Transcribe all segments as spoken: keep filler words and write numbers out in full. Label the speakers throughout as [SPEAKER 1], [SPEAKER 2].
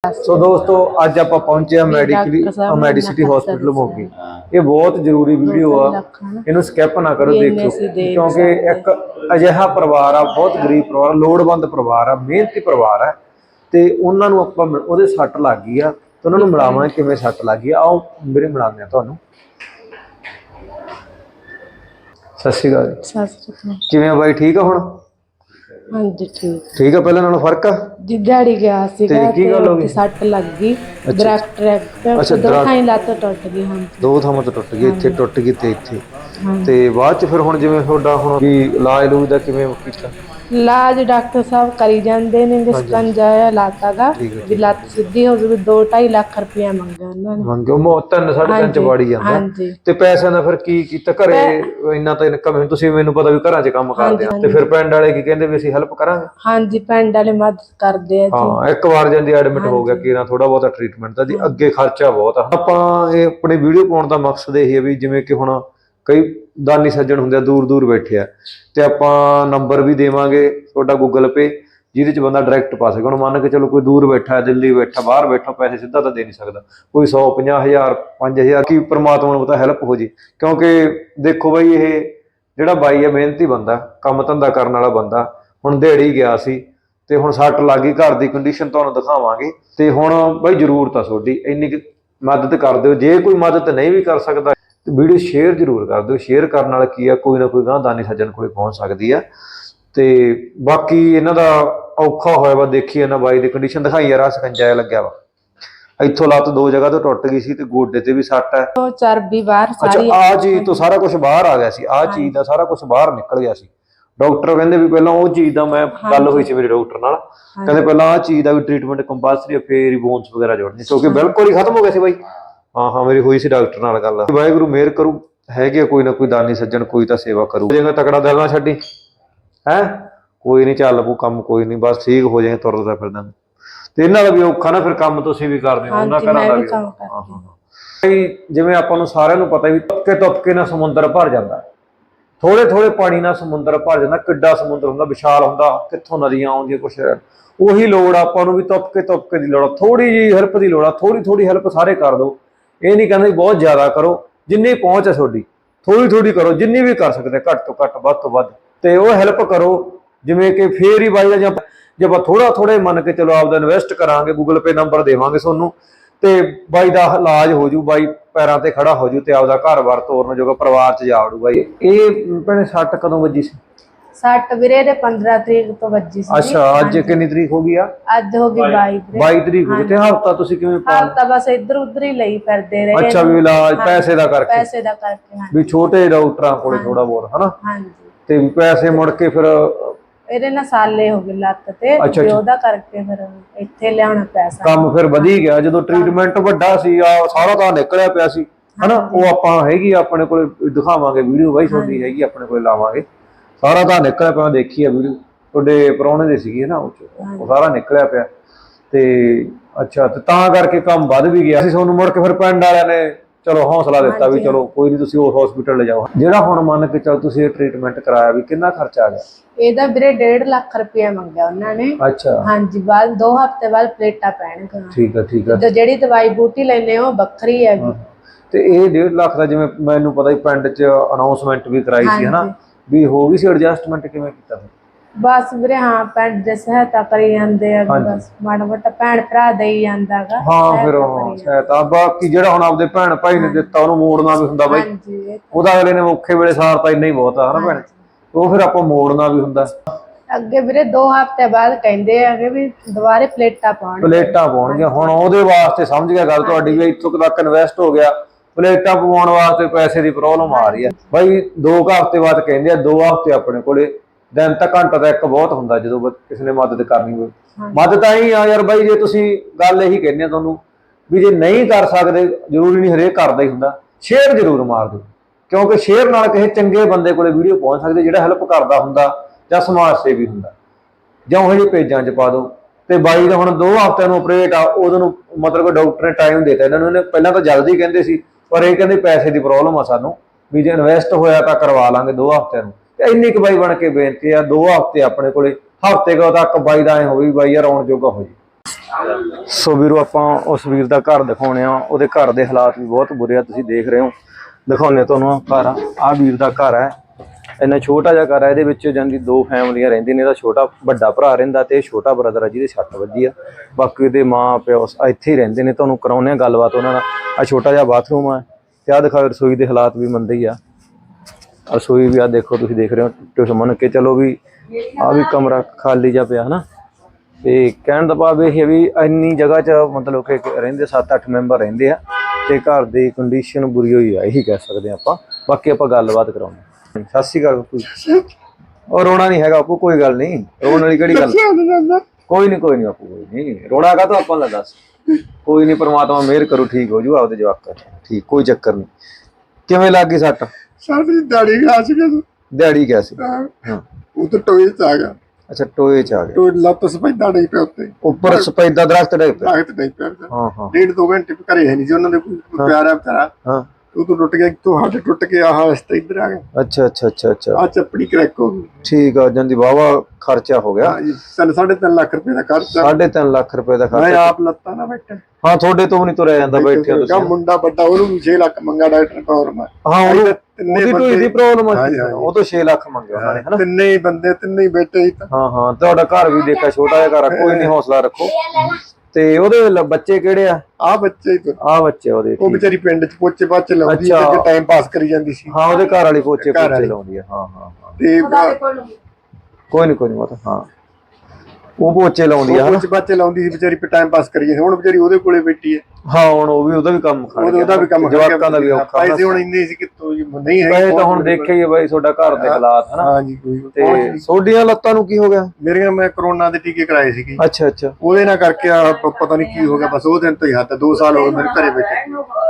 [SPEAKER 1] सो दोस्तों अज आप पहुंचे मैडिकली मैडिसिटी हॉस्पिटल मोगी। ये बहुत जरूरी वीडियो आ, इनू स्किप ना करो, देखो क्योंकि एक अजिहा परिवार आ, बहुत गरीब परिवार, लोड़वंद परिवार आ, मेहनती परिवार है। तो उन्होंने आप सट लग गई आ, तो उन्होंने मिलाव किमें सट लग गई। आओ मेरे मिलाने तुहानू। सत श्री अकाल, किवें बाई ठीक है हुण?
[SPEAKER 2] हाँ जी ठीक
[SPEAKER 1] ठीक है, पहले नालों फर्क आ?
[SPEAKER 2] जी दिहाड़ी गया सीगा
[SPEAKER 1] की गल हो गई?
[SPEAKER 2] सट लग गई दरख्त
[SPEAKER 1] अच्छा,
[SPEAKER 2] दो थाई लत्त टुट गई। हाँ
[SPEAKER 1] दो थावां तो टुट गई, इत्थे टुट गई ते इत्थे ते बाद च फिर हुण जिवें तुहाडा हुण भी इलाज लूज दा किवें कीता?
[SPEAKER 2] इलाज डॉक्टर साहब करी जांदे ने, शिकंजा लाता दा भी लत्त सीधी हो जावे। दो ढाई लाख रुपया मंगया उन्होंने।
[SPEAKER 1] मंगो मो तीन साढ़े तीन च वाड़ी जांदा ते पैसे दा फिर की कीता? घरे इन्ना तां इनकम है, तुसीं मैनूं पता भी घरां च काम करदे आ ते फिर पिंड वाले की कहंदे भी असीं हेल्प करांगे।
[SPEAKER 2] हाँ जी पिंड वाले मदद करदे आ जी।
[SPEAKER 1] हाँ एक बार जांदी एडमिट हो गया कि ना थोड़ा बहुत ट्रीटमेंट दा जी, अगे खर्चा बहुत आ। आपां ये अपनी वीडियो पाउण दा मकसद यही है भी जिवें कि हुण कई दानी सज्जण हुंदे दूर दूर बैठे आ, ते आपां नंबर भी देवांगे तुहाडा गूगल पे, जिहदे च बंदा डायरैक्ट पा सके। हुण मान के चलो कोई दूर बैठा है, दिल्ली बैठा, बाहर बैठा, पैसे सीधा तो दे नहीं सकता, कोई सौ पचास हज़ार पाँच हज़ार की परमात्मा नूं पता हैल्प हो जी। क्योंकि देखो बई ये जिहड़ा बाई है मेहनती बंदा, काम धंधा करन वाला बंदा, हुण दिहाड़ी गया सी ते हुण सट लग गई, घर की कंडीशन तुहानूं दिखावांगे ते हुण बई जरूरत आ तुहाडी इन्नी मदद कर दिओ। जे कोई मदद नहीं भी कर सकदा वीडियो शेयर जरूर कर दो। शेयर करने नाल की है कोई ना कोई गांह दानी सज्जन कोल पहुंच सकती है। तो बाकी इन्हां दा औखा होया वा, देखिए इन्हां बाई दी कंडीशन दिखाई यार, सकंजा लग्या वा, इत्थों लत्त दो जगह तो टुट गई सी ते गोडे ते भी सट है।
[SPEAKER 2] चर्बी बाहर
[SPEAKER 1] अच्छा आ चीज तो सारा कुछ बाहर आ गया सी, आ चीज दा सारा कुछ बाहर निकल गया सी। डॉक्टर कहंदे भी पहलां वो चीज दा मैं गल होई सी मेरे डॉक्टर नाल, कहंदे पहलां आ चीज दा भी ट्रीटमेंट कंपलसरी फिर ही बोन्स वगैरह जोड़नी, क्योंकि बिल्कुल ही खत्म हो गया सी बाई। हाँ हाँ मेरी हुई सी डॉक्टर नाल गल, वाहिगुरू मेहर करू, हैगे कोई ना कोई दानी सज्जन, कोई तो सेवा करू। हो जाएगा तगड़ा, दिल ना छड्डी है, कोई नहीं चल पू काम, कोई नहीं बस ठीक हो जाएगा, तुरदा फिरदा। ते इन्हां दा भी औखा ना फिर काम तुसीं भी करदे हो, उन्हां घरां दा भी। हाँ हाँ जिवें आपां नूं सारिआं नूं पता भी तुपके तुपके नाल समुंदर भर जांदा, थोड़े थोड़े पानी नाल समुंदर भर जांदा। किड्डा समुंदर हुंदा, विशाल हुंदा, कित्थों नदियां आउंदियां, कुछ उही लोड़ आपां नूं भी तुपके तुपके दी लोड़, थोड़ी जी हेल्प दी लोड़, थोड़ी थोड़ी हेल्प सारे कर दो। ये नहीं कहंदे बहुत ज़्यादा करो, जिन्नी पहुँच है तुहाडी थोड़ी थोड़ी करो, जिन्नी भी कर सकते, घट तो घट वध तो वध, ते वो हेल्प करो। जिवें कि फेर ही बाई जब जब थोड़ा थोड़े मन के चलो आपदा इन्वेस्ट करांगे, गूगल पे नंबर देवांगे सोनू, ते बाई दा इलाज हो जू, बाई पैरां ते खड़ा हो जू, ते आपदा घर बार तोरन जोगा परिवार च जा वड़ूगा। ये भैणे सट कदों वजी सी?
[SPEAKER 2] सट वीरे दे पंद्रह तरीक तो वजी सी।
[SPEAKER 1] अच्छा अज कितनी तरीक हो गई आ?
[SPEAKER 2] अज हो गई बाईस
[SPEAKER 1] बाई तरीक हो गई। ते हफ्ता तुसीं किवें
[SPEAKER 2] हफ्ता बस इधर उधर ही लई फिरदे रहे।
[SPEAKER 1] अच्छा भी इलाज पैसे दा करके,
[SPEAKER 2] पैसे दा करके
[SPEAKER 1] भी छोटे डॉक्टरां कोले थोड़ा बहुत है ना।
[SPEAKER 2] हां जी
[SPEAKER 1] ते पैसे मुड़ के फिर
[SPEAKER 2] ਇਹਦੇ ਨਾਲ ਸਾਲੇ ਹੋ ਗਏ ਲੱਤ ਤੇ, ਤੇ ਉਹਦਾ ਕਰਕੇ ਫਿਰ ਇੱਥੇ ਲਿਆਉਣਾ ਪੈਸਾ
[SPEAKER 1] ਕੰਮ ਫਿਰ ਵਧੀ ਗਿਆ। ਜਦੋਂ ਟ੍ਰੀਟਮੈਂਟ ਵੱਡਾ ਸੀ ਆ ਸਾਰਾ ਤਾਂ ਨਿਕਲਿਆ ਪਿਆ ਸੀ ਹਨਾ, ਉਹ ਆਪਾਂ ਹੈਗੀ ਆਪਣੇ ਕੋਲ ਦਿਖਾਵਾਂਗੇ ਵੀਡੀਓ, ਬਾਈ ਤੁਹਾਡੀ ਹੈਗੀ ਆਪਣੇ ਕੋਲ, ਲਾਵਾਂਗੇ ਸਾਰਾ ਤਾਂ ਨਿਕਲਿਆ ਪਿਆ, ਦੇਖੀ ਆ ਵੀਡੀਓ ਤੁਹਾਡੇ ਪ੍ਰਾਹੁਣੇ ਦੇ ਸੀਗੀ ਨਾ, ਉਹ ਸਾਰਾ ਨਿਕਲਿਆ ਪਿਆ। ਤੇ ਅੱਛਾ ਤੇ ਤਾਂ ਕਰਕੇ ਕੰਮ ਵੱਧ ਵੀ ਗਿਆ ਸੀ। ਤੁਹਾਨੂੰ ਮੁੜ ਕੇ ਫਿਰ ਪਿੰਡ ਵਾਲਿਆਂ ਨੇ चलो हौसला दिता भी चलो कोई नहीं, तुसीं उस हॉस्पिटल ले जाओ। जिहड़ा हुण मन के चल तुसीं ट्रीटमेंट कराया भी कितना खर्चा आ गया?
[SPEAKER 2] ਇਹਦਾ ਵੀਰੇ डेढ़ लाख रुपया मंगया ਉਹਨਾਂ ਨੇ।
[SPEAKER 1] अच्छा
[SPEAKER 2] हाँ जी बाद दो हफ्ते बाद प्लेटा पैणगीਆਂ।
[SPEAKER 1] ठीक है ठीक है,
[SPEAKER 2] ਤੇ ਜਿਹੜੀ ਦਵਾਈ ਬੂਟੀ ਲੈਨੇ ਉਹ ਵੱਖਰੀ ਹੈਗੀ।
[SPEAKER 1] ਤੇ ਇਹ डेढ़ ਲੱਖ ਦਾ ਜਿਵੇਂ ਮੈਨੂੰ ਪਤਾ ਹੀ ਪਿੰਡ 'ਚ ਅਨਾਉਂਸਮੈਂਟ ਵੀ ਕਰਾਈ ਸੀ ਹਨਾ, ਵੀ ਹੋ ਗਈ ਸੀ ਐਡਜਸਟਮੈਂਟ, ਕਿਵੇਂ ਕੀਤਾ ਫਿਰ? बस वीरे हाँ पिंड दे सहायता करी जांदे आ, बस माड़ा मोटा भैन भरा देई जांदा गा। हाँ फिर सहायता बाकी ਜਿਹੜਾ ਹੁਣ ਆਪਦੇ ਭੈਣ ਭਾਈ ਨੇ ਦਿੱਤਾ ਉਹਨੂੰ ਮੋੜਨਾ ਵੀ ਹੁੰਦਾ ਬਾਈ, ਉਹਦਾ ਅਗਲੇ ਨੇ ਔਖੇ ਵੇਲੇ ਸਾਰ ਤਾਂ ਇੰਨਾ ਹੀ ਬਹੁਤ ਆ ਹਨਾ ਭੈਣ, ਉਹ ਫਿਰ ਆਪਾਂ ਮੋੜਨਾ ਵੀ ਹੁੰਦਾ।
[SPEAKER 2] ਅੱਗੇ ਵੀਰੇ ਦੋ ਹਫ਼ਤੇ ਬਾਅਦ ਕਹਿੰਦੇ ਆ ਕਿ ਵੀ ਦੁਬਾਰੇ ਪਲੇਟਾਂ ਪਾਉਣ
[SPEAKER 1] ਪਲੇਟਾਂ ਪਾਉਣਗੇ। ਹੁਣ ਉਹਦੇ ਵਾਸਤੇ ਸਮਝ ਗਿਆ ਗੱਲ ਤੁਹਾਡੀ ਵੀ ਇੱਥੋਂ ਤੱਕ ਇਨਵੈਸਟ ਹੋ ਗਿਆ, ਪਲੇਟਾਂ ਪਵਾਉਣ ਵਾਸਤੇ ਪੈਸੇ ਦੀ ਪ੍ਰੋਬਲਮ ਆ ਰਹੀ ਹੈ ਬਾਈ। ਦੋ ਹਫ਼ਤੇ ਬਾਅਦ ਕਹਿੰਦੇ ਆ, ਦੋ ਹਫ਼ਤੇ ਆਪਣੇ ਕੋਲੇ दिन तक घंटा तो एक बहुत होंगे जो किसी ने मदद करनी हो। मदद ही आ यार बाई, जे तुसीं गल यही कहने तुहानूं भी जे नहीं कर सकते, जरूरी नहीं हरेक करदा ही हुंदा, शेयर जरूर मार दो, क्योंकि शेयर नाल किसी चंगे बंदे कोले वीडियो पहुंच सकदी, जिहड़ा हैल्प करदा हुंदा जां समाज सेवी हुंदा, जां ओह जिहे पेजां 'च पा दो। ते बाई दा हुण दो हफ्ते नूं ऑपरेट आ, उदों नूं मतलब डॉक्टर ने टाइम देता इन्हां नूं। पहिलां तां जल्दी कहंदे सी, पर इह कहंदे पैसे दी प्रॉब्लम आ सानूं, भी जे इन्वेस्ट होया तां करवा लांगे दो हफ्ते नूं। इन्नी बाई बन के बेनती है, दो हफ्ते अपने को हफ्ते तक बाई का हो भी बाई यार आने जोगा हो जी, ਸੋ ਵੀਰੋ ਆਪਾਂ ਉਸ ਵੀਰ ਦਾ ਘਰ ਦਿਖਾਉਣੇ ਆ, ਉਹਦੇ ਘਰ ਦੇ ਹਾਲਾਤ ਵੀ ਬਹੁਤ ਬੁਰੇ ਆ, ਤੁਸੀਂ ਦੇਖ ਰਹੇ ਹੋ। ਦਿਖਾਉਣੇ ਤੁਹਾਨੂੰ ਘਰ ਆ, ਆਹ ਵੀਰ ਦਾ ਘਰ ਹੈ। ਇੰਨਾ ਛੋਟਾ ਜਿਹਾ ਘਰ ਹੈ, ਇਹਦੇ ਵਿੱਚ ਜਾਂਦੀ ਦੋ ਫੈਮਲੀਆਂ ਰਹਿੰਦੀਆਂ ਨੇ। ਇਹਦਾ ਛੋਟਾ ਵੱਡਾ ਭਰਾ ਰਹਿੰਦਾ ਤੇ ਛੋਟਾ ਬ੍ਰਦਰ ਆ ਜਿਹਦੇ ਸੱਟ ਵੱਜੀ ਆ। ਬਾਕੀ ਇਹਦੇ ਮਾਂ ਪਿਓ ਇੱਥੇ ਹੀ ਰਹਿੰਦੇ ਨੇ। ਤੁਹਾਨੂੰ ਕਰਾਉਂਦੇ ਆ ਗੱਲਬਾਤ ਉਹਨਾਂ ਨਾਲ। ਆਹ ਛੋਟਾ ਜਿਹਾ ਬਾਥਰੂਮ ਆ ਤੇ ਆਹ ਦਿਖਾਓ ਰਸੋਈ ਦੇ ਹਾਲਾਤ ਵੀ ਮੰਦੇ ਹੀ ਆ। ਰਸੋਈ ਵੀ ਆ ਦੇਖੋ, ਤੁਸੀਂ ਦੇਖ ਰਹੇ ਹੋ। ਤੁਸੀਂ ਮੰਨ ਕੇ ਚਲੋ ਵੀ ਆਹ ਵੀ ਕਮਰਾ ਖਾਲੀ ਜਿਹਾ ਪਿਆ ਹਨਾ। ਤੇ ਕਹਿਣ ਦਾ ਭਾਵ ਇਹ ਹੈ ਵੀ ਇੰਨੀ ਜਗ੍ਹਾ 'ਚ ਮਤਲਬ ਕਿ ਰਹਿੰਦੇ ਸੱਤ ਅੱਠ ਮੈਂਬਰ ਰਹਿੰਦੇ ਆ ਤੇ ਘਰ ਦੀ ਕੰਡੀਸ਼ਨ ਬੁਰੀ ਹੋਈ ਆ, ਇਹੀ ਕਹਿ ਸਕਦੇ ਆ ਆਪਾਂ। ਬਾਕੀ ਆਪਾਂ ਗੱਲਬਾਤ ਕਰਾਉਂਦੇ। ਸਤਿ ਸ਼੍ਰੀ ਅਕਾਲ ਬਾਪੂ। ਉਹ ਰੋਣਾ ਨਹੀਂ ਹੈਗਾ ਬਾਪੂ, ਕੋਈ ਗੱਲ ਨਹੀਂ, ਰੋਣ ਵਾਲੀ ਕਿਹੜੀ ਗੱਲ। ਕੋਈ ਨਹੀਂ ਕੋਈ ਨਹੀਂ ਬਾਪੂ, ਕੋਈ ਨਹੀਂ ਰੋਣਾ ਕਾ ਤਾਂ ਆਪਾਂ ਲਾ ਦੱਸ। ਕੋਈ ਨਹੀਂ, ਪਰਮਾਤਮਾ ਮਿਹਰ ਕਰੂ, ਠੀਕ ਹੋ ਜੂ ਆਪਦੇ ਜਵਾਕਾਂ ਠੀਕ, ਕੋਈ ਚੱਕਰ ਨਹੀਂ। ਕਿਵੇਂ ਲੱਗ ਗਈ ਸੱਟ?
[SPEAKER 3] ਸਰ ਦੀ ਦਾੜੀ ਖਾ ਸੀ ਕਿ
[SPEAKER 1] ਦਿਹਾੜੀ ਕਿਆ ਸੀ?
[SPEAKER 3] ਹਾਂ ਉਹ ਤਾਂ ਟੋਏ ਚ ਆ ਗਿਆ।
[SPEAKER 1] ਅੱਛਾ ਟੋਏ ਚ ਆ ਗਿਆ।
[SPEAKER 3] ਟੋਏ ਲੱਤ ਸਪੈਦਾ ਨਹੀਂ ਪਿਆ ਉੱਤੇ,
[SPEAKER 1] ਉੱਪਰ ਸਪੈਦਾ ਦਰਖਤ ਡਿੱਗ ਪਿਆ।
[SPEAKER 3] ਦਰਖਤ ਨਹੀਂ ਪਿਆ।
[SPEAKER 1] ਹਾਂ ਹਾਂ
[SPEAKER 3] ਡੇਢ ਦੋ ਘੰਟੇ ਘਰੇ ਹੈ ਨਹੀਂ ਸੀ ਉਹਨਾਂ ਦੇ, ਕੋਈ ਪਿਆਰਾ ਵਿਚਾਰਾ।
[SPEAKER 1] ਹਾਂ
[SPEAKER 3] ਉਹ ਤੋਂ ਟੁੱਟ ਗਿਆ, ਤੋਂ ਹੱਡ ਟੁੱਟ ਕੇ ਆਹ ਰਸਤਾ ਇੱਧਰ ਆ ਗਿਆ।
[SPEAKER 1] ਅੱਛਾ ਅੱਛਾ ਅੱਛਾ ਅੱਛਾ
[SPEAKER 3] ਆ ਚੱਪੜੀ ਕਰੈਕ ਹੋ ਗਈ।
[SPEAKER 1] ਠੀਕ ਆ, ਜਾਂਦੀ ਵਾਹਵਾ ਖਰਚਾ ਹੋ ਗਿਆ।
[SPEAKER 3] ਹਾਂ ਜੀ, ਤਿੰਨ ਸਾਢੇ ਤਿੰਨ ਲੱਖ ਰੁਪਏ ਦਾ ਖਰਚਾ।
[SPEAKER 1] ਸਾਢੇ ਤਿੰਨ ਲੱਖ ਰੁਪਏ ਦਾ
[SPEAKER 3] ਮੈਂ
[SPEAKER 1] ਖਰਚਾ।
[SPEAKER 3] ਆਪ ਲੱਤਾਂ ਨਾ ਬੈਠਾ।
[SPEAKER 1] ਹਾਂ ਤੁਹਾਡੇ ਤੋਂ ਵੀ ਨਹੀਂ ਤੁਰਿਆ ਜਾਂਦਾ ਬੈਠੇ ਹੋ
[SPEAKER 3] ਕਾ
[SPEAKER 1] ਤੁਸੀਂ।
[SPEAKER 3] ਮੁੰਡਾ ਵੱਡਾ, ਉਹਨੂੰ ਵੀ ਛੇ ਲੱਖ ਮੰਗਾ ਡਾਕਟਰ ਕੌਰ ਮੈਂ।
[SPEAKER 1] ਹਾਂ ਉਹਦੀ
[SPEAKER 3] ਤਿੰਨੇ
[SPEAKER 1] ਢੋਈ ਦੀ ਪ੍ਰੋਬਲਮ ਆ,
[SPEAKER 3] ਹਾਂਜੀ, ਹਾਂਜੀ।
[SPEAKER 1] ਉਹ ਤੋਂ ਛੇ ਲੱਖ ਮੰਗਿਆ ਉਹਨਾਂ ਨੇ ਹਨਾ।
[SPEAKER 3] ਤਿੰਨੇ ਹੀ ਬੰਦੇ, ਤਿੰਨੇ ਹੀ ਬੈਠੇ ਸੀ ਤਾਂ।
[SPEAKER 1] ਹਾਂ ਹਾਂ ਤੁਹਾਡਾ ਘਰ ਵੀ ਦੇਖਿਆ, ਛੋਟਾ ਜਿਹਾ ਘਰ ਆ, ਕੋਈ ਨਹੀਂ ਹੌਸਲਾ ਰੱਖੋ। ਤੇ ਉਹਦੇ ਲ- ਬੱਚੇ ਕਿਹੜੇ ਆ?
[SPEAKER 3] ਆਹ ਬੱਚੇ ਹੀ ਤੋਂ
[SPEAKER 1] ਆਹ ਬੱਚੇ ਉਹਦੇ।
[SPEAKER 3] ਉਹ ਵਿਚਾਰੀ ਪਿੰਡ ਚ ਪੋਚੇ ਪਾਚੇ ਲਾਉਂਦੀ ਸੀ,
[SPEAKER 1] ਅੱਛਾ।
[SPEAKER 3] ਟਾਈਮ ਪਾਸ ਕਰੀ ਜਾਂਦੀ ਸੀ।
[SPEAKER 1] ਹਾਂ ਉਹਦੇ ਘਰ ਵਾਲੀ ਪੋਚੇ
[SPEAKER 3] ਘਰ
[SPEAKER 1] ਪੋਚੇ
[SPEAKER 3] ਵਾਲੀ।
[SPEAKER 1] ਲਾਉਂਦੀ ਆ। ਹਾਂ ਹਾਂ ਹਾਂ
[SPEAKER 3] ਤੇ
[SPEAKER 1] ਕੋਈ ਨਹੀਂ ਕੋਈ ਨਹੀਂ ਮਤ ਹਾਂ ਉਹ ਪੋਚੇ ਲਾਉਂਦੀ ਆ ਹਨਾ।
[SPEAKER 3] ਪੋਚੇ ਪਾਚੇ ਲਾਉਂਦੀ ਸੀ ਵਿਚਾਰੀ, ਟਾਈਮ ਪਾਸ ਕਰੀ ਜਾਂਦੀ। ਹੁਣ ਵਿਚਾਰੀ ਉਹਦੇ ਕੋਲੇ ਬੈਠੀ ਹੈ।
[SPEAKER 1] ਹਾਂ ਹੁਣ ਉਹ ਵੀ ਉਹਦਾ ਵੀ ਕੰਮ ਖੜ ਗਿਆ।
[SPEAKER 3] ਉਹਦਾ ਵੀ ਕੰਮ ਖੜ ਗਿਆ।
[SPEAKER 1] ਜਵਾਕਾਂ ਦਾ ਵੀ ਔਖਾ।
[SPEAKER 3] ਪੈਸੇ ਹੁਣ ਇੰਨੇ ਸੀ ਕਿਤੋਂ ਜੀ ਨਹੀਂ ਹੈ।
[SPEAKER 1] ਪੈਸੇ ਤਾਂ ਹੁਣ ਦੇਖਿਆ ਹੀ ਆ ਬਾਈ ਤੁਹਾਡਾ ਘਰ ਦੇ ਹਾਲਾਤ ਹਨਾ।
[SPEAKER 3] ਹਾਂ ਜੀ ਕੋਈ
[SPEAKER 1] ਤੇ ਸੋਡੀਆਂ ਲੱਤਾਂ ਨੂੰ ਕੀ ਹੋ ਗਿਆ?
[SPEAKER 3] ਮੇਰੀਆਂ ਮੈਂ ਕਰੋਨਾ ਦੇ ਟੀਕੇ ਕਰਾਏ ਸੀਗੇ।
[SPEAKER 1] ਅੱਛਾ ਅੱਛਾ
[SPEAKER 3] ਉਹਦੇ ਨਾਲ ਕਰਕੇ ਆ ਪ- ਪਤਾ ਨਹੀਂ ਕੀ ਹੋ ਗਿਆ। ਬਸ ਉਹ ਦਿਨ ਤੋਂ ਹੀ ਹੱਥ ਦੋ ਸਾਲ ਹੋ ਗਏ ਮੇਰੇ ਘਰੇ ਬੈਠੇ।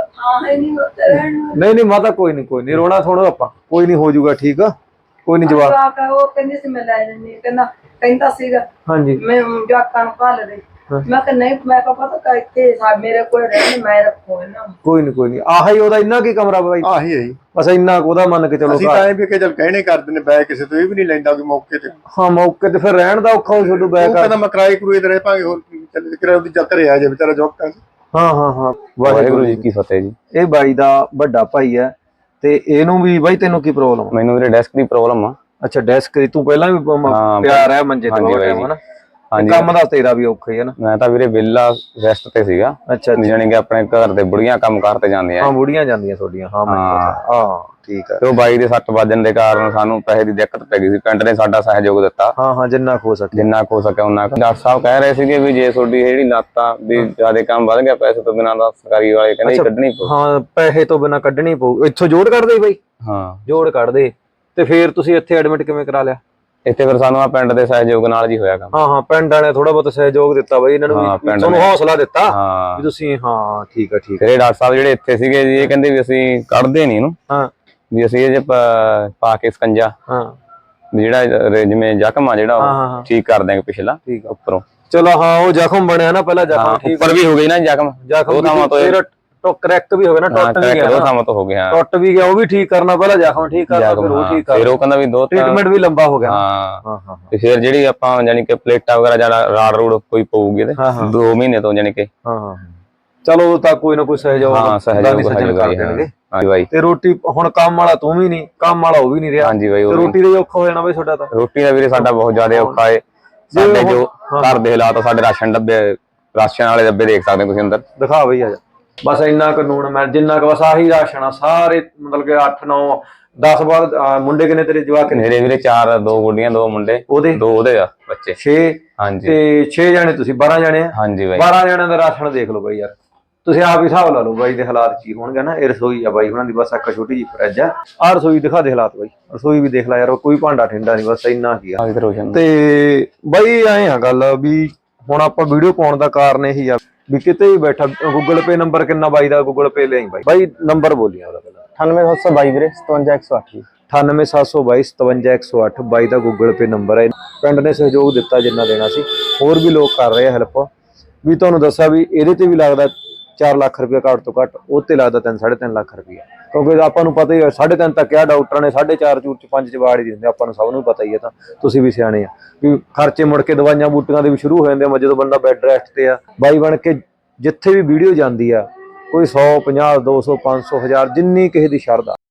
[SPEAKER 1] ਨਹੀਂ ਨਹੀਂ ਮਾਤਾ ਕੋਈ ਨਹੀਂ ਕੋਈ ਨਹੀਂ ਰੋਣਾ ਥੋੜਾ ਆਪਾਂ, ਕੋਈ ਨਹੀਂ ਹੋ ਜਾਊਗਾ ਠੀਕ ਆ। ਕੋਈ ਨਹੀਂ ਜਵਾਬ।
[SPEAKER 4] ਉਹ ਕਹਿੰਦੀ ਸੀ ਮੈਂ ਲੈ ਲੈਣੀ, ਕਹਿੰਦਾ ਕਹਿੰਦਾ ਸੀਗਾ
[SPEAKER 1] ਹਾਂਜੀ
[SPEAKER 4] ਮੈਂ ਜਵਾਕਾਂ ਨੂੰ ਭਾਲ ਦੇ। ਮੈਂ ਕਿਹਾ ਨਹੀਂ, ਮੈਂ ਕਿਹਾ ਪਤਾ ਕਿ ਇੱਥੇ ਸਾ ਮੇਰੇ ਕੋਲ ਰਹਿਣ, ਮੈਂ ਰੱਖੂ ਇਹਨਾਂ ਨੂੰ।
[SPEAKER 1] ਕੋਈ ਨਹੀਂ ਕੋਈ ਨਹੀਂ ਆਹ ਹੀ ਉਹਦਾ ਇੰਨਾ ਕੀ ਕਮਰਾ ਬਾਈ?
[SPEAKER 3] ਆਹੀ ਹੈ ਜੀ।
[SPEAKER 1] ਬਸ ਇੰਨਾ ਕੁ ਉਹਦਾ ਮੰਨ ਕੇ ਚਲੋ
[SPEAKER 3] ਅਸੀਂ ਤਾਂ ਐਂ ਵੀ ਕਿ ਚੱਲ ਕਹਿਣੇ ਕਰਦੇ ਨੇ ਬੈ ਕਿਸੇ ਤੋਂ, ਇਹ ਵੀ ਨਹੀਂ ਲੈਂਦਾ ਕਿ ਮੌਕੇ ਤੇ।
[SPEAKER 1] ਹਾਂ ਮੌਕੇ ਤੇ ਫਿਰ ਰਹਿਣ ਦਾ ਔਖਾ ਹੋ ਛੱਡੂ ਬੈਕ।
[SPEAKER 3] ਉਹ ਕਹਿੰਦਾ ਮੈਂ ਕਿਰਾਏ ਕਰੂਏ ਤੇ ਰਹਿ ਪਾਂਗੇ, ਹੋਰ ਕੀ ਚੱਲ ਕਿਰਾਏ ਉਹਦੀ ਚੱਕ ਰਿਹਾ ਜੇ ਵਿਚਾਰਾ ਜੋਕਾਂ ਚ।
[SPEAKER 1] ਹਾਂ ਹਾਂ ਹਾਂ ਵਾਹਿਗੁਰੂ ਜੀ ਕੀ ਫਤਿਹ ਜੀ। ਇਹ ਬਾਈ ਦਾ ਵੱਡਾ ਭਾਈ ਹੈ ਤੇ ਇਹਨੂੰ ਵੀ ਬਾਈ ਤੈਨੂੰ ਕੀ ਪ੍ਰੋਬਲਮ?
[SPEAKER 5] ਮੈਨੂੰ ਵੀਰੇ ਡੈਸਕ ਦੀ ਪ੍ਰੋਬਲਮ ਆ।
[SPEAKER 1] ਅੱਛਾ ਡੈਸਕ ਦੀ, ਤੂੰ ਪਹਿਲਾਂ ਵੀ ਪਿਆ ਰਿਹਾ ਮੰਜੇ ਤੇ ਬਹੁਤ ਟਾਈਮ ਹਨਾ। ਕੰਮ ਦਾ ਤੇਰਾ ਵੀ ਔਖਾ ਹੀ ਹੈ ਨਾ।
[SPEAKER 5] ਮੈਂ ਤਾਂ ਵੀਰੇ ਵਿਹਲਾ ਰੈਸਟ ਤੇ ਸੀਗਾ।
[SPEAKER 1] ਅੱਛਾ
[SPEAKER 5] ਜਾਣੀ ਕਿ ਆਪਣੇ ਘਰ ਦੇ ਬੁੜੀਆਂ ਕੰਮ ਕਰਤੇ ਜਾਂਦੀਆਂ।
[SPEAKER 1] ਹਾਂ ਬੁੜੀਆਂ ਜਾਂਦੀਆਂ ਤੁਹਾਡੀਆਂ। ਹਾਂ ਮੈਂ ਹਾਂ ਠੀਕ ਹੈ।
[SPEAKER 5] ਤੇ ਉਹ ਬਾਈ ਦੇ ਸੱਟ ਵੱਜਣ ਦੇ ਕਾਰਨ ਸਾਨੂੰ ਪੈਸੇ ਦੀ ਦਿੱਕਤ ਪੈ ਗਈ ਸੀ। ਪਿੰਡ ਨੇ ਸਾਡਾ ਸਹਿਯੋਗ ਦਿੱਤਾ।
[SPEAKER 1] ਹਾਂ ਹਾਂ ਜਿੰਨਾ ਹੋ ਸਕੇ
[SPEAKER 5] ਜਿੰਨਾ ਹੋ ਸਕਿਆ ਉਹਨਾਂ। ਡਾਕਟਰ ਸਾਹਿਬ ਕਹਿ ਰਹੇ ਸੀਗੇ ਵੀ ਜੇ ਤੁਹਾਡੀ ਜਿਹੜੀ ਲੱਤ ਆ ਵੀ ਜ਼ਿਆਦਾ ਕੰਮ ਵੱਧ ਗਿਆ, ਪੈਸੇ ਤੋਂ ਬਿਨਾਂ ਦਾ ਸਰਕਾਰੀ ਵਾਲੇ ਕਹਿੰਦੇ ਕੱਢਣੀ ਪਊ।
[SPEAKER 1] ਹਾਂ ਪੈਸੇ ਤੋਂ ਬਿਨਾਂ ਕੱਢਣੀ ਪਊ। ਇੱਥੋਂ ਜੋੜ ਕੱਢਦੇ ਬਾਈ?
[SPEAKER 5] ਹਾਂ ਜੋੜ
[SPEAKER 1] ਜੋੜ ਕੱਢਦੇ। ਤੇ ਫੇਰ ਤੁਸੀਂ ਇੱਥੇ ਐਡਮਿਟ ਕਿਵੇਂ ਕਰਾ ਲਿਆ?
[SPEAKER 5] ਇੱਥੇ ਫਿਰ ਸਾਨੂੰ ਆ ਪਿੰਡ ਦੇ ਸਹਿਯੋਗ ਨਾਲ ਜੀ ਹੋਇਆ ਕੰਮ।
[SPEAKER 1] ਹਾਂ ਹਾਂ ਪਿੰਡ ਵਾਲਿਆਂ ਥੋੜਾ ਬਹੁਤ ਸਹਿਯੋਗ ਦਿੱਤਾ ਬਾਈ ਇਹਨਾਂ ਨੂੰ, ਤੁਹਾਨੂੰ ਹੌਸਲਾ ਦਿੱਤਾ
[SPEAKER 5] ਹਾਂ
[SPEAKER 1] ਵੀ ਤੁਸੀਂ। ਹਾਂ ਠੀਕ ਆ ਠੀਕ
[SPEAKER 5] ਆ। ਇਹ ਡਾਕਟਰ ਸਾਹਿਬ ਜਿਹੜੇ ਇੱਥੇ ਸੀਗੇ ਜੀ, ਇਹ ਕਹਿੰਦੇ ਵੀ ਅਸੀਂ ਕੱਢਦੇ ਨਹੀਂ ਇਹਨੂੰ।
[SPEAKER 1] ਹਾਂ
[SPEAKER 5] ਵੀ ਅਸੀਂ ਇਹ ਜੇ ਪਾ ਕੇ ਸਕੰਜਾ,
[SPEAKER 1] ਹਾਂ
[SPEAKER 5] ਵੀ ਜਿਹੜਾ ਜਿਵੇਂ ਜ਼ਖਮ ਆ ਜਿਹੜਾ ਉਹ ਠੀਕ ਕਰ ਦਿਆਂਗੇ ਪਿਛਲਾ
[SPEAKER 1] ਠੀਕ
[SPEAKER 5] ਉੱਪਰੋਂ।
[SPEAKER 1] ਚਲੋ ਹਾਂ ਉਹ ਜ਼ਖਮ ਬਣਿਆ ਨਾ ਪਹਿਲਾਂ, ਜ਼ਖਮ ਠੀਕ
[SPEAKER 5] ਉੱਪਰ ਵੀ ਹੋ ਗਈ ਨਾ ਜ਼ਖਮ।
[SPEAKER 1] ਜ਼ਖਮ
[SPEAKER 5] ਉਹ ਥਾਵਾਂ ਤੋਂ
[SPEAKER 1] ਟੋ ਕਰੈਕ ਵੀ ਹੋ ਗਿਆ ਨਾ, ਟੁੱਟ ਵੀ ਗਿਆ।
[SPEAKER 5] ਉਹ ਥਾਵਾਂ ਤੋਂ ਹੋ ਗਿਆ,
[SPEAKER 1] ਟੁੱਟ ਵੀ ਗਿਆ, ਉਹ ਵੀ ਠੀਕ ਕਰਨਾ ਪਹਿਲਾਂ, ਜ਼ਖਮ ਠੀਕ ਕਰਨਾ ਫਿਰ ਉਹ ਠੀਕ ਕਰਨਾ।
[SPEAKER 5] ਫਿਰ ਉਹ ਕਹਿੰਦਾ ਵੀ ਦੋ
[SPEAKER 1] ਟ੍ਰੀਟਮੈਂਟ ਵੀ ਲੰਬਾ ਹੋ ਗਿਆ।
[SPEAKER 5] ਹਾਂ
[SPEAKER 1] ਹਾਂ ਹਾਂ
[SPEAKER 5] ਤੇ ਫਿਰ ਜਿਹੜੀ ਆਪਾਂ ਯਾਨੀ ਕਿ ਪਲੇਟਾਂ ਵਗੈਰਾ ਜਿਹੜਾ ਰਾੜ ਰੂੜ ਕੋਈ ਪਊਗੀ ਇਹਦੇ ਦੋ ਮਹੀਨੇ ਤੋਂ ਯਾਨੀ ਕਿ।
[SPEAKER 1] ਹਾਂ ਹਾਂ ਚਲੋ ਤਾਂ ਕੋਈ ਨਾ ਕੋਈ ਸਹਿਯੋਗ
[SPEAKER 5] ਹਾਂ ਸਹਿਯੋਗ
[SPEAKER 1] ਕਰ ਦੇਣਗੇ।
[SPEAKER 5] ਹਾਂਜੀ ਬਾਈ।
[SPEAKER 1] ਤੇ ਰੋਟੀ ਹੁਣ ਕੰਮ ਵਾਲਾ ਤੂੰ ਵੀ ਨਹੀਂ, ਕੰਮ ਵਾਲਾ ਉਹ ਵੀ ਨਹੀਂ ਰਿਹਾ।
[SPEAKER 5] ਹਾਂਜੀ ਬਾਈ।
[SPEAKER 1] ਤੇ ਰੋਟੀ ਦਾ ਔਖਾ ਹੋ ਜਾਣਾ ਬਾਈ ਤੁਹਾਡਾ ਤਾਂ।
[SPEAKER 5] ਰੋਟੀ ਦਾ ਵੀਰੇ ਸਾਡਾ ਬਹੁਤ ਜ਼ਿਆਦਾ ਔਖਾ ਹੈ। ਸਾਡੇ ਜੋ ਘਰ ਦੇ ਹਾਲਾਤ, ਸਾਡੇ ਰਾਸ਼ਨ ਡੱਬੇ, ਰਾਸ਼ਨ ਵਾਲੇ ਡੱਬੇ ਦੇਖ ਸਕਦੇ ਤੁਸੀਂ ਅੰਦਰ।
[SPEAKER 1] ਦਿਖਾ ਬਈ ਆ ਜਾ। ਬਸ ਇੰਨਾ ਕਾਨੂੰਨ ਮੈਂ ਜਿੰਨਾ ਕੁ ਬਸ ਆਹੀ ਰਾਸ਼ਨ ਆ ਸਾਰੇ, ਮਤਲਬ ਕਿ ਅੱਠ ਨੌ ਦਸ ਬਾਅਦ। ਮੁੰਡੇ ਕਿੰਨੇ ਤੇਰੇ ਜਵਾਕ?
[SPEAKER 5] ਮੇਰੇ ਵੀਰੇ ਚਾਰ, ਦੋ ਗੁੱਡੀਆਂ ਦੋ ਮੁੰਡੇ,
[SPEAKER 1] ਉਹਦੇ
[SPEAKER 5] ਦੋ ਉਹਦੇ ਆ ਬੱਚੇ
[SPEAKER 1] ਛੇ।
[SPEAKER 5] ਹਾਂਜੀ
[SPEAKER 1] ਤੇ ਛੇ ਜਾਣੇ ਤੁਸੀਂ, ਬਾਰਾਂ ਜਾਣੇ ਆ।
[SPEAKER 5] ਹਾਂਜੀ ਬਾਈ।
[SPEAKER 1] ਬਾਰਾਂ ਜਾਣਿਆਂ ਦਾ ਰਾਸ਼ਨ ਦੇਖ ਲਓ ਬਾਈ ਯਾਰ, ਤੁਸੀਂ ਆਪ ਹੀ ਹਿਸਾਬ ਲਾ ਲਓ ਬਾਈ ਦੇ ਹਾਲਾਤ ਕੀ ਹੋਣਗੇ ਨਾ। ਇਹ ਰਸੋਈ ਆ ਬਾਈ ਉਹਨਾਂ ਦੀ, ਬਸ ਇੱਕ ਛੋਟੀ ਜਿਹੀ ਫਰਿੱਜ ਆ। ਆਹ ਰਸੋਈ ਦਿਖਾ ਦੇ ਹਾਲਾਤ ਬਾਈ, ਰਸੋਈ ਵੀ ਦੇਖ ਲੈ ਯਾਰ, ਕੋਈ ਭਾਂਡਾ ਠੰਡਾ ਨਹੀਂ, ਬਸ ਇੰਨਾ ਕੀ ਆ। ਤੇ ਬਾਈ ਐਂ ਆ ਗੱਲ ਵੀ ਹੁਣ ਆਪਾਂ ਵੀਡੀਓ ਪਾਉਣ ਦਾ ਕਾਰਨ ਇਹੀ ਆ ਵੀ ਕਿਤੇ ਵੀ ਬੈਠਾ। ਗੂਗਲ ਪੇ ਨੰਬਰ ਕਿੰਨਾ ਬਾਈ ਦਾ? ਗੂਗਲ ਪੇ ਲਈ ਬਾਈ। ਬਾਈ ਨੰਬਰ ਬੋਲੀਆਂ ਉਹਦਾ ਪਹਿਲਾਂ।
[SPEAKER 5] ਅਠਾਨਵੇਂ ਸੱਤ ਸੌ ਬਾਈ ਵੀਰੇ ਸਤਵੰਜਾ ਇੱਕ ਸੌ ਅੱਠ।
[SPEAKER 1] ਅਠਾਨਵੇਂ ਸੱਤ ਸੌ ਬਾਈ ਸਤਵੰਜਾ ਇੱਕ ਸੌ ਅੱਠ ਬਾਈ ਦਾ ਗੂਗਲ ਪੇ ਨੰਬਰ ਹੈ। ਪਿੰਡ ਨੇ ਸਹਿਯੋਗ ਦਿੱਤਾ ਜਿੰਨਾ ਦੇਣਾ ਸੀ, ਹੋਰ ਵੀ ਲੋਕ ਕਰ ਰਹੇ ਆ ਹੈਲਪ। ਵੀ ਤੁਹਾਨੂੰ ਦੱਸਿਆ ਵੀ ਇਹਦੇ ਤੇ ਵੀ ਲੱਗਦਾ ਚਾਰ ਲੱਖ ਰੁਪਇਆ ਘੱਟ ਤੋਂ ਘੱਟ, ਉਹ ਤੇ ਲੱਗਦਾ ਤਿੰਨ ਸਾਢੇ ਤਿੰਨ ਲੱਖ ਰੁਪਇਆ। ਕਿਉਂਕਿ ਆਪਾਂ ਨੂੰ ਪਤਾ ਹੀ ਹੈ ਸਾਢੇ ਤਿੰਨ ਤੱਕ ਕਿਹਾ ਡਾਕਟਰਾਂ ਨੇ, ਸਾਢੇ ਚਾਰ ਚੂਰ ਚ ਪੰਜ ਚ ਵਾੜ ਹੀ ਦਿੰਦੇ, ਆਪਾਂ ਨੂੰ ਸਭ ਨੂੰ ਪਤਾ ਹੀ ਹੈ। ਤਾਂ ਤੁਸੀਂ ਵੀ ਸਿਆਣੇ ਆ ਵੀ ਖਰਚੇ ਮੁੜ ਕੇ ਦਵਾਈਆਂ ਬੂਟੀਆਂ ਦੇ ਵੀ ਸ਼ੁਰੂ ਹੋ ਜਾਂਦੇ ਆ ਜਦੋਂ ਬੰਦਾ ਬੈੱਡ ਰੈਸਟ ਤੇ ਆ। ਬਾਈ ਬਣ ਕੇ ਜਿੱਥੇ ਵੀ ਵੀਡੀਓ ਜਾਂਦੀ ਆ, ਕੋਈ ਸੌ ਪੰਜਾਹ ਦੋ ਸੌ ਪੰਜ ਸੌ ਹਜ਼ਾਰ ਜਿੰਨੀ ਕਿਸੇ ਦੀ ਸ਼ਰਧਾ